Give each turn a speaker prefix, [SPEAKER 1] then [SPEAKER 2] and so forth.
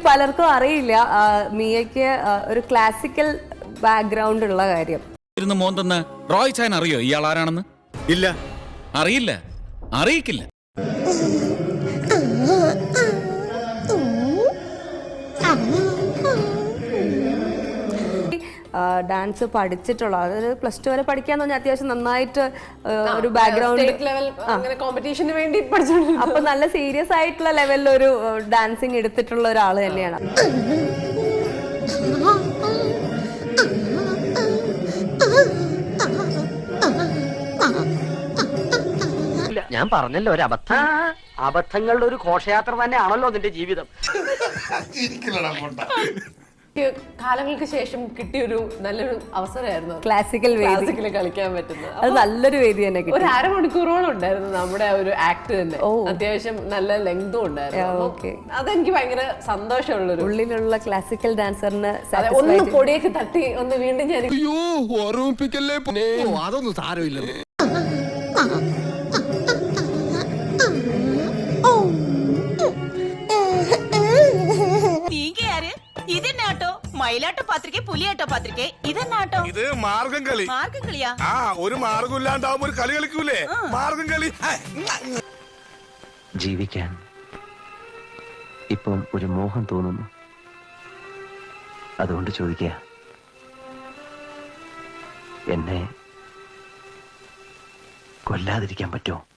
[SPEAKER 1] പലർക്കും അറിയില്ല മിയയ്ക്ക് ഒരു ക്ലാസിക്കൽ ബാക്ക്ഗ്രൗണ്ട് ഉള്ള കാര്യം.
[SPEAKER 2] മോൻ തന്നെ റോയ് ചാൻ അറിയോ ഇയാൾ ആരാണെന്ന്?
[SPEAKER 3] ഇല്ല,
[SPEAKER 2] അറിയില്ല, അറിയിക്കില്ല.
[SPEAKER 1] ഡാൻസ് പഠിച്ചിട്ടുള്ള, അതായത് +2 വരെ പഠിക്കാന്ന് പറഞ്ഞാൽ അത്യാവശ്യം നന്നായിട്ട് ഒരു ബാക്ക്ഗ്രൗണ്ട്, അപ്പൊ നല്ല സീരിയസ് ആയിട്ടുള്ള ലെവലിൽ ഒരു ഡാൻസിങ് എടുത്തിട്ടുള്ള ഒരാൾ തന്നെയാണ്.
[SPEAKER 4] ഞാൻ പറഞ്ഞല്ലോ ഒരു അബദ്ധം. അബദ്ധങ്ങളുടെ ഒരു ഘോഷയാത്ര തന്നെയാണല്ലോ നിന്റെ ജീവിതം.
[SPEAKER 5] കാലങ്ങൾക്ക് ശേഷം കിട്ടിയൊരു നല്ലൊരു അവസരമായിരുന്നു
[SPEAKER 1] ക്ലാസിക്കൽ
[SPEAKER 5] കളിക്കാൻ പറ്റുന്നത്.
[SPEAKER 1] അത് നല്ലൊരു വേദി തന്നെ.
[SPEAKER 5] ഒരു അരമണിക്കൂറോളം ഉണ്ടായിരുന്നു നമ്മുടെ ഒരു ആക്ട് തന്നെ. അത്യാവശ്യം നല്ല ലെങ്തും ഉണ്ടായിരുന്നു. അതെനിക്ക് ഭയങ്കര സന്തോഷമുള്ളൊരു
[SPEAKER 1] ഉള്ളിലുള്ള ക്ലാസിക്കൽ ഡാൻസറിന്
[SPEAKER 5] ഒന്ന് പൊടിയൊക്കെ തട്ടി ഒന്ന് വീണ്ടും ഞാൻ
[SPEAKER 3] അതൊന്നും സാരമില്ല.
[SPEAKER 6] ഇതെന്നാട്ടോ മയിലാട്ടോ പാത്രിക പുലിയാട്ടോ പാത്രിക ഇതെന്നാട്ടോ?
[SPEAKER 7] ഇത് മാർഗം കളി.
[SPEAKER 6] മാർഗം കളിയാ?
[SPEAKER 7] ഒരു മാർഗം ഇല്ലാണ്ടാവുമ്പോ ഒരു കളി കളിക്കൂലേ, മാർഗം കളി.
[SPEAKER 4] ജീവിക്കാൻ ഇപ്പം ഒരു മോഹം തോന്നുന്നു. അതുകൊണ്ട് ചോദിക്കുക, എന്നെ കൊല്ലാതിരിക്കാൻ പറ്റുമോ?